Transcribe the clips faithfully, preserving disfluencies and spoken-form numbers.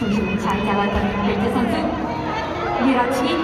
중심을 잘 잡았던 벨트 선수 밀어치기.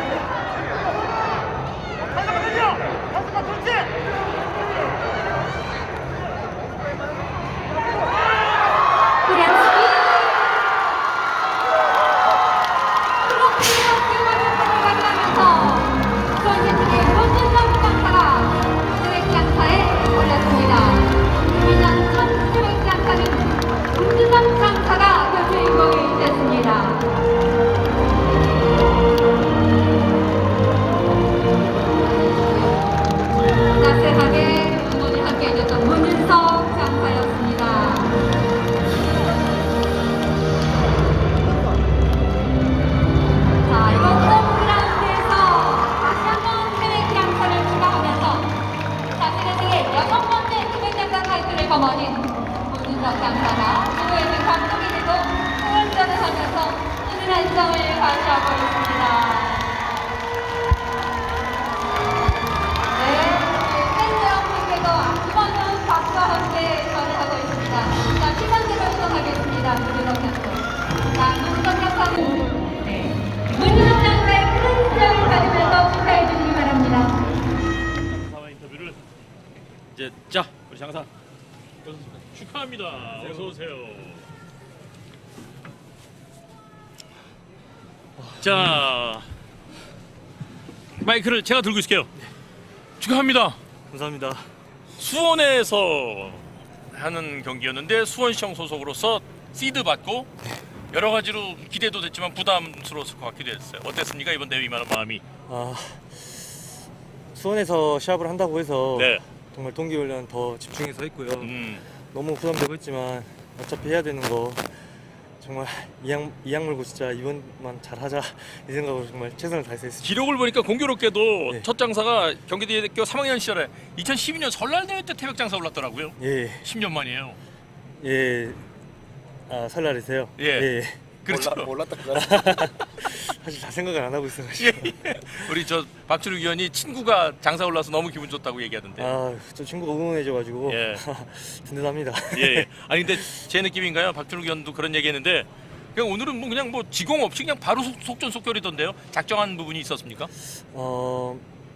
따뜻하게 응원이 함께해줬던 문은석 장사였습니다. 자, 이번 홈그라운드에서 다시 한번 태백 장사를 추가하면서 자신의 세계 여섯 번째 태백 장사 타이틀을 거머쥔 문은석 장사가 프로에서 감독이 되고 후원전을 하면서 훈훈한 점을 가져하고 있습니다. 이번은 박수와 함께 전해하고 있습니다. 자, 시상대로 시작하겠습니다. 문은석 장사. 자, 문은석 장사는 네. 문은석 장사의 큰 점을 가지면서 축하해 주시기 바랍니다. 장사와 인터뷰를 이제 자 우리 장사 축하합니다. 어서 오세요. 자 마이크를 제가 들고 있을게요. 축하합니다. 감사합니다. 수원에서 하는 경기였는데 수원시청 소속으로서 시드 받고 여러 가지로 기대도 됐지만 부담스러웠을 것 같기도 했어요. 어땠습니까 이번 대회 임하는 마음이? 아, 수원에서 시합을 한다고 해서 네. 정말 동기훈련 더 집중해서 했고요. 음. 너무 부담되고 있지만 어차피 해야 되는 거 정말 이악, 이악 물고 진짜 이번만 잘하자 이 생각으로 정말 최선을 다해서 했습니다. 기록을 보니까 공교롭게도 네. 첫 장사가 경기대학교 삼 학년 시절에 이천십이 년 설날 대회 때 태백 장사 올랐더라고요. 예, 십 년 만이에요. 예, 아 설날이세요? 예. 예. 그렇죠. 몰랐다 사실 다 생각을 안 하고 있어가지고. 우리 저 박주륙 위원이 친구가 장사 올라서 너무 기분 좋다고 얘기하던데. 아, 저 친구가 응원해줘가지고 예. 든든합니다. 예, 예. 아니 근데 제 느낌인가요? 박주륙 위원도 그런 얘기했는데 그냥 오늘은 뭐 그냥 뭐 지공 없이 그냥 바로 속, 속전속결이던데요. 작정한 부분이 있었습니까? 어,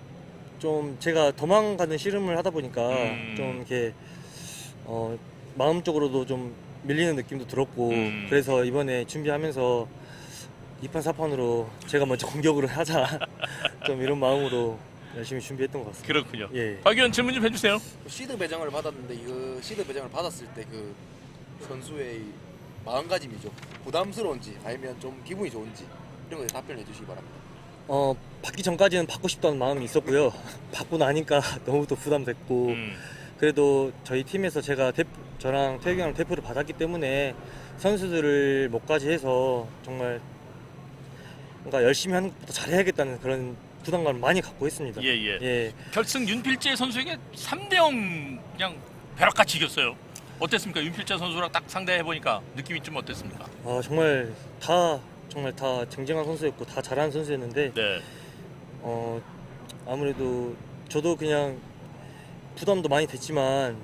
좀 제가 도망가는 씨름을 하다 보니까 음. 좀 이렇게 어, 마음적으로도 좀 밀리는 느낌도 들었고 음. 그래서 이번에 준비하면서 이 판 사 판으로 제가 먼저 공격을 하자 좀 이런 마음으로 열심히 준비했던 것 같습니다. 그렇군요. 예. 박 위원 질문 좀 해주세요. 시드 배정을 받았는데 그 시드 배정을 받았을 때 그 선수의 마음가짐이죠. 부담스러운지 아니면 좀 기분이 좋은지 이런 거에 답변해 주시기 바랍니다. 어, 받기 전까지는 받고 싶다는 마음이 있었고요. 받고 나니까 너무 또 부담됐고 음. 그래도 저희 팀에서 제가 대표, 저랑 태욱이 형을 대표를 받았기 때문에 선수들을 목까지 해서 정말 뭔가 열심히 하는 것보다 잘해야겠다는 그런 부담감을 많이 갖고 있습니다. 예, 예. 예. 결승 윤필재 선수에게 삼 대 영 그냥 벼락같이 이겼어요. 어땠습니까? 윤필재 선수랑 딱 상대해 보니까 느낌이 좀 어땠습니까? 아, 정말 다 정말 다 쟁쟁한 선수였고 다 잘하는 선수였는데 네. 어, 아무래도 저도 그냥 부담도 많이 됐지만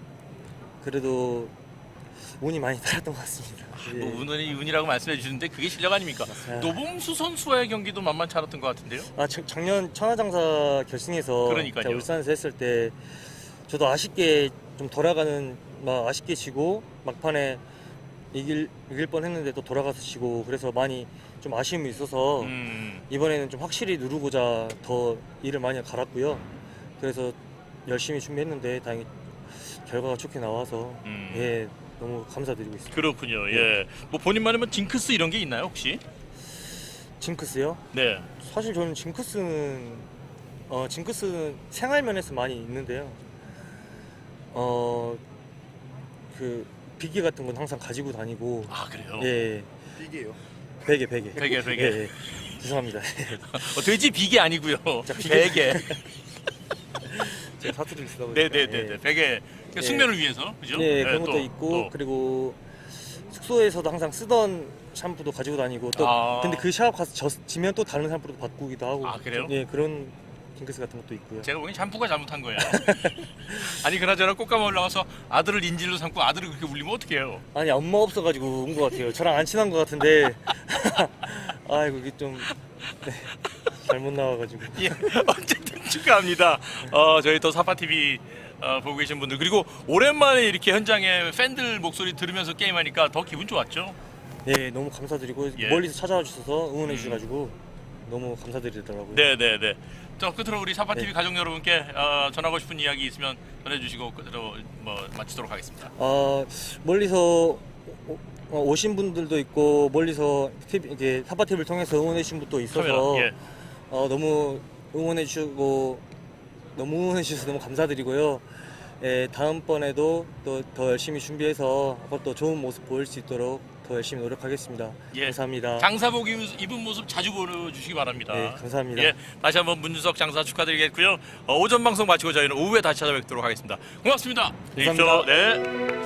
그래도 운이 많이 따랐던 것 같습니다. 예. 뭐 운이 운이라고 말씀해 주시는데 그게 실력 아닙니까? 아. 노봉수 선수와의 경기도 만만치 않았던 것 같은데요. 아, 작- 작년 천하장사 결승에서 그러니까요. 제가 울산에서 했을 때 저도 아쉽게 좀 돌아가는 막 아쉽게 지고 막판에 이길 이길 뻔했는데 또 돌아가서 지고 그래서 많이 좀 아쉬움이 있어서 음. 이번에는 좀 확실히 누르고자 더 일을 많이 갈았고요. 그래서 열심히 준비했는데 다행히 결과가 좋게 나와서 음. 예, 너무 감사드리고 있습니다. 그렇군요. 예. 뭐 본인만의 뭐 징크스 이런 게 있나요 혹시? 징크스요? 네. 사실 저는 징크스는 어 징크스는 생활 면에서 많이 있는데요. 어 그 비계 같은 건 항상 가지고 다니고 아 그래요? 예 비계요. 베개 베개 베개, 베개. 예, 예. 죄송합니다. 어, 돼지 비계 아니고요. 자, 비계. 베개. 제가 사투리를 쓰다 보니까 네네네네. 예. 베개. 예. 숙면을 위해서 그죠? 네, 네, 그런 것도 또, 있고 또. 그리고 숙소에서도 항상 쓰던 샴푸도 가지고 다니고 또 아. 근데 그 샵 가서 졌, 지면 또 다른 샴푸도 바꾸기도 하고 아, 그래요? 예, 그런 징크스 같은 것도 있고요. 제가 보기엔 샴푸가 잘못한 거야. 아니 그나저나 꽃가마 올라가서 아들을 인질로 삼고 아들을 그렇게 울리면 어떡해요? 아니 엄마 없어가지고 온 것 같아요. 저랑 안 친한 것 같은데 아이고 이게 좀 네, 잘못 나와가지고. 예, 어쨌든 축하합니다. 어, 저희 또 사파티비 어, 보고 계신 분들 그리고 오랜만에 이렇게 현장에 팬들 목소리 들으면서 게임하니까 더 기분 좋았죠? 네 너무 감사드리고 예. 멀리서 찾아와 주셔서 응원해 음. 주셔가지고 너무 감사드리더라고요. 네네네. 저 끝으로 우리 사파티비 네. 가족 여러분께 어, 전하고 싶은 이야기 있으면 전해주시고 끝으로 뭐 마치도록 하겠습니다. 어, 멀리서 오- 어, 오신 분들도 있고 멀리서 티비, 이제 사파티비를 통해서 응원해 주신 분도 있어서 카메라, 예. 어, 너무 응원해 주시고 너무 응원해 주셔서 너무 감사드리고요. 예, 다음번에도 또 더 열심히 준비해서 또 좋은 모습 보일 수 있도록 더 열심히 노력하겠습니다. 예. 감사합니다. 장사복 입- 입은 모습 자주 보여주시기 바랍니다. 네, 감사합니다. 예, 다시 한번 문준석 장사 축하드리겠고요. 어, 오전 방송 마치고 저희는 오후에 다시 찾아뵙도록 하겠습니다. 고맙습니다. 감사합니다. 네.